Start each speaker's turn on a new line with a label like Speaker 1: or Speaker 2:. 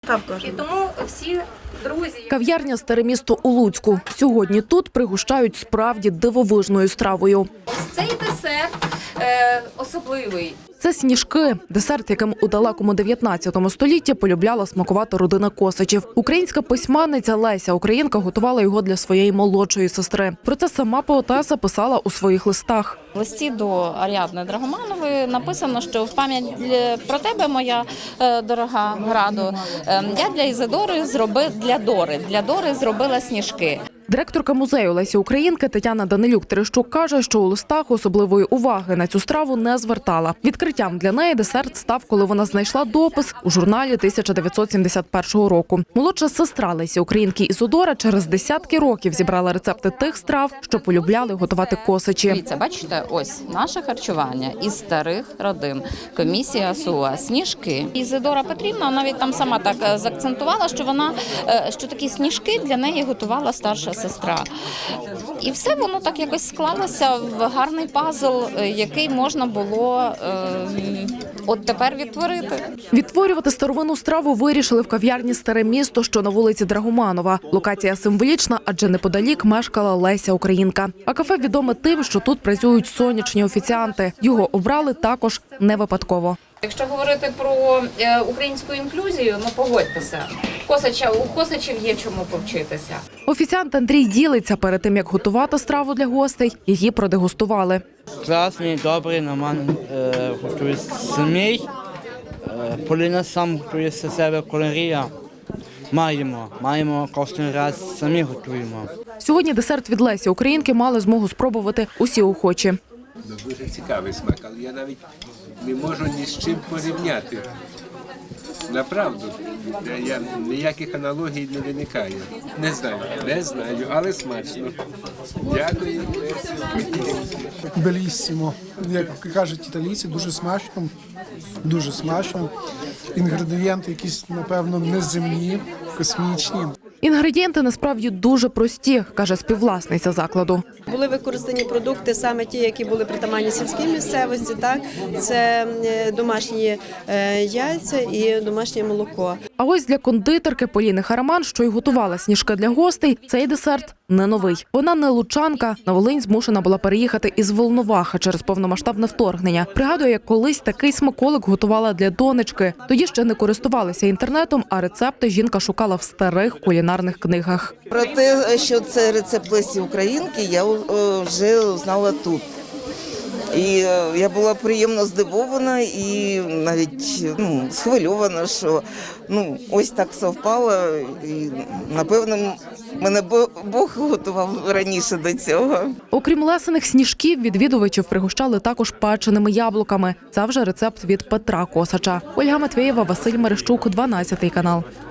Speaker 1: І тому всі друзі...
Speaker 2: Кав'ярня «Старе місто» у Луцьку. Сьогодні тут пригощають справді дивовижною стравою.
Speaker 1: Цей десерт особливий.
Speaker 2: Це сніжки – десерт, яким у далекому 19 столітті полюбляла смакувати родина Косачів. Українська письменниця Леся Українка готувала його для своєї молодшої сестри. Про це сама поетеса писала у своїх листах.
Speaker 3: В листі до Аріадни Драгоманової написано, що в пам'ять про тебе, моя дорога Градо, я для Ізидори для Дори зробила сніжки.
Speaker 2: Директорка музею Лесі Українки Тетяна Данилюк-Терещук каже, що у листах особливої уваги на цю страву не звертала. Відкриттям для неї десерт став, коли вона знайшла допис у журналі 1971 року. Молодша сестра Лесі Українки Ізодора через десятки років зібрала рецепти тих страв, що полюбляли готувати Косачі.
Speaker 3: Дивіться, бачите, ось наше харчування із старих родин. Комісія СУА, сніжки. Ізидора Петрівна навіть там сама так заакцентувала, що такі сніжки для неї готувала старша сестра. І все воно так якось склалося в гарний пазл, який можна було от тепер відтворити.
Speaker 2: Відтворювати старовинну страву вирішили в кав'ярні «Старе місто», що на вулиці Драгоманова. Локація символічна, адже неподалік мешкала Леся Українка. А кафе відоме тим, що тут працюють сонячні офіціанти. Його обрали також не випадково.
Speaker 1: Якщо говорити про українську інклюзію, ну погодьтеся, у Косачів є чому повчитися.
Speaker 2: Офіціант Андрій ділиться, перед тим, як готувати страву для гостей, її продегустували.
Speaker 4: Класний, добрий, нормально готує самий. Поліна сам готує з себе кулінарія. Маємо кожен раз самі готуємо.
Speaker 2: Сьогодні десерт від Лесі Українки мали змогу спробувати усі охочі.
Speaker 5: Дуже цікавий смак, але я навіть не можу ні з чим порівняти. Направду, ніяких аналогій не виникає. Не знаю, але смачно. Дякую.
Speaker 6: Беліссімо. Як кажуть італійці, дуже смачно. Інгредієнти якісь, напевно, неземні, космічні.
Speaker 2: Інгредієнти насправді дуже прості, каже співвласниця закладу.
Speaker 7: Були використані продукти саме ті, які були притаманні сільській місцевості. Так, це домашні яйця і домашнє молоко.
Speaker 2: А ось для кондитерки Поліни Хараман, що й готувала сніжки для гостей, цей десерт не новий. Вона не лучанка, на Волинь змушена була переїхати із Волноваха через повномасштабне вторгнення. Пригадує, як колись такий смаколик готувала для донечки. Тоді ще не користувалися інтернетом, а рецепти жінка шукала в старих кулінарних книгах.
Speaker 8: Про те, що це рецепт Лесі Українки, я вже знала тут. І я була приємно здивована і навіть схвильована, що ось так совпало. І, напевно, мене Бог готував раніше до цього.
Speaker 2: Окрім лесених сніжків, відвідувачів пригощали також печеними яблуками. Це вже рецепт від Петра Косача. Ольга Матвєєва, Василь Мерещук, 12 канал.